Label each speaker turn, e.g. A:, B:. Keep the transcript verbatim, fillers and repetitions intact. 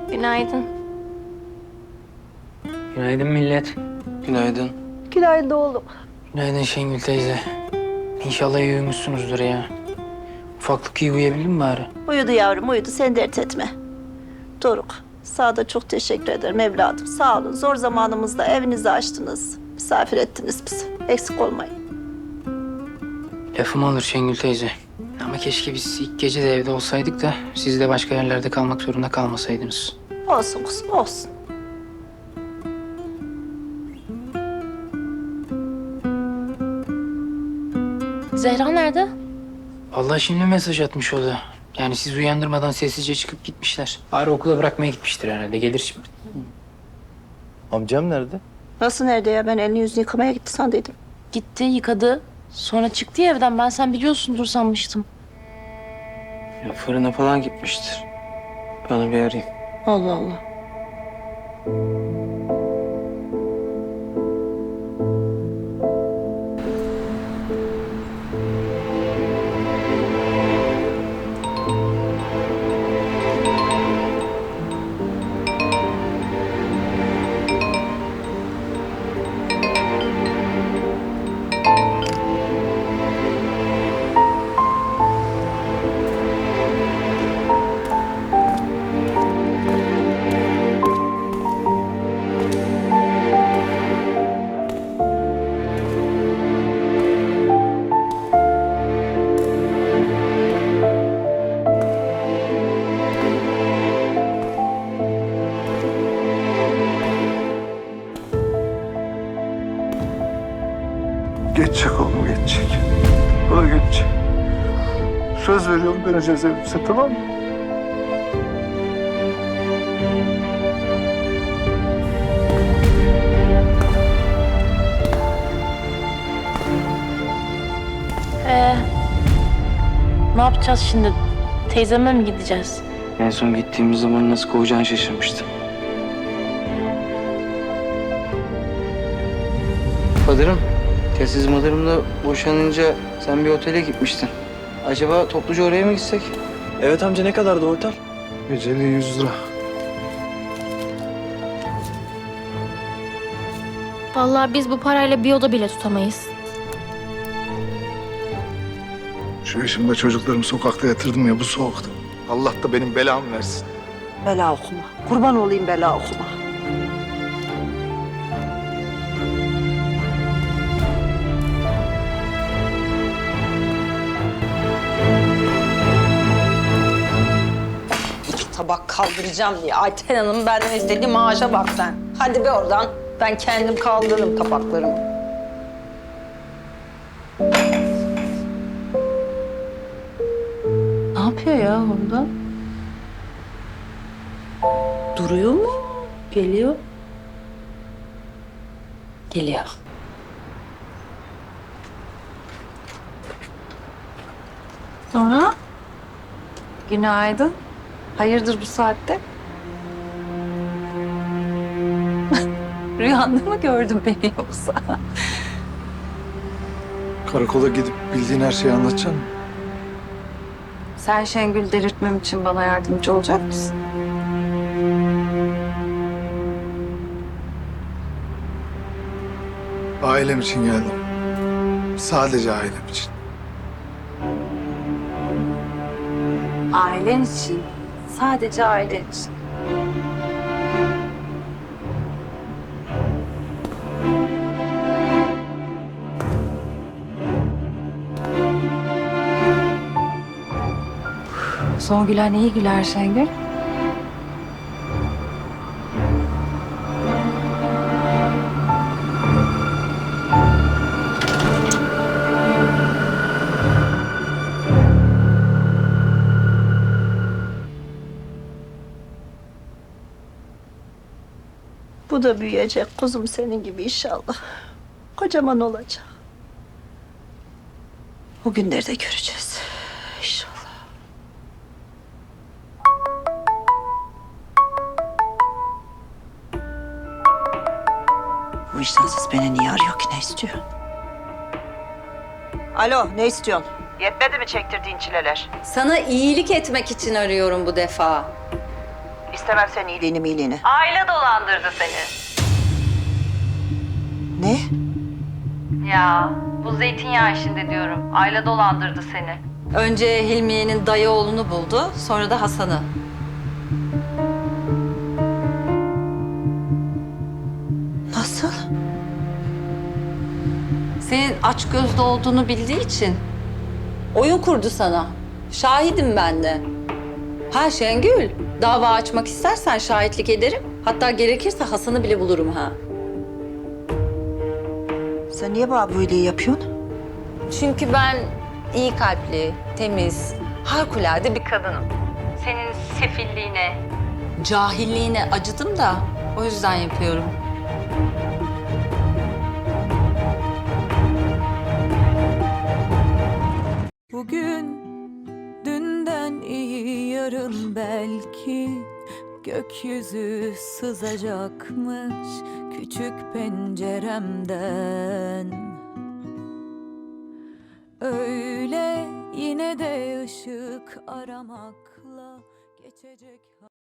A: Günaydın.
B: Günaydın millet.
C: Günaydın.
D: Günaydın oğlum.
B: Günaydın Şengül teyze. İnşallah iyi uyumuşsunuzdur ya. Ufaklık iyi uyuyabildin mi bari?
D: Uyudu yavrum, uyudu. Sen dert etme. Doruk, sana da çok teşekkür ederim evladım. Sağ olun. Zor zamanımızda evinizi açtınız. Misafir ettiniz bizi. Eksik olmayın.
B: Lafım olur Şengül teyze. Ama keşke biz ilk gece de evde olsaydık da siz de başka yerlerde kalmak zorunda kalmasaydınız.
D: Olsun kuzum, olsun.
A: Zehra nerede?
B: Vallahi şimdi mesaj atmış o da. Yani siz uyandırmadan sessizce çıkıp gitmişler. Bari okula bırakmaya gitmiştir herhalde. Gelir şimdi.
C: Amcam nerede?
D: Nasıl nerede ya? Ben elini yüzünü yıkamaya gitti sandıydım.
A: Gitti, yıkadı. Sonra çıktı ya evden. Ben sen biliyorsundur sanmıştım.
C: Ya fırına falan gitmiştir. Ben onu bir arayayım.
D: Allah Allah.
E: Geçecek oğlum, geçecek. O da geçecek. Söz veriyorum, döneceğiz evimize, tamam mı?
A: Ee, ne yapacağız şimdi? Teyzeme mi gideceğiz?
C: En son gittiğimiz zaman nasıl kovacağını şaşırmıştım. Padırım, telsiz madırımla boşanınca sen bir otele gitmiştin. Acaba topluca oraya mı gitsek? Evet amca, ne kadardı o otel?
E: Geceliği yüz lira.
F: Vallahi biz bu parayla bir oda bile tutamayız.
E: Şu yaşımda çocuklarımı sokakta yatırdım ya bu soğukta. Allah da benim belamı versin.
D: Bela okuma. Kurban olayım bela okuma.
G: İki tabak kaldıracağım diye. Ayten Hanım benden istediği maaşa bak sen. Hadi be oradan. Ben kendim kaldırırım tabaklarımı. Ne yapıyor ya orada? Duruyor mu? Geliyor. Geliyor.
H: Sonra? Günaydın. Hayırdır bu saatte? Rüyanda mı gördün beni yoksa?
E: Karakola gidip bildiğin her şeyi anlatacaksın mı?
H: Sen Şengül delirtmem için bana yardımcı olacak mısın?
E: Ailem için geldim. Sadece ailem için.
H: Ailen için. Sadece ailen için. Son gülen iyi güler Şengül.
D: Bu da büyüyecek kuzum senin gibi inşallah. Kocaman olacak. O günleri de göreceğiz. İnşallah. Bu vicdansız beni niye arıyor ki, ne istiyor? Alo, ne istiyorsun? Yetmedi mi çektirdiğin çileler?
G: Sana iyilik etmek için arıyorum bu defa.
D: İstemem senin iyiliğini miyiliğini.
I: Aile dolandırdı seni.
D: Ne?
I: Ya bu zeytinyağı işinde diyorum. Aile dolandırdı seni.
G: Önce Hilmiye'nin dayı oğlunu buldu, sonra da Hasan'ı.
D: Nasıl?
G: Senin aç gözlü olduğunu bildiği için oyun kurdu sana. Şahidim ben de. Ha Şengül, dava açmak istersen şahitlik ederim. Hatta gerekirse Hasan'ı bile bulurum ha.
D: Sen niye bana böyle yapıyorsun?
G: Çünkü ben iyi kalpli, temiz, harikulade bir kadınım.
I: Senin sefilliğine.
G: Cahilliğine acıdım da o yüzden yapıyorum.
J: Bugün dünden iyi yarın belki gökyüzü sızacakmış küçük penceremden. Öyle yine de ışık aramakla geçecek.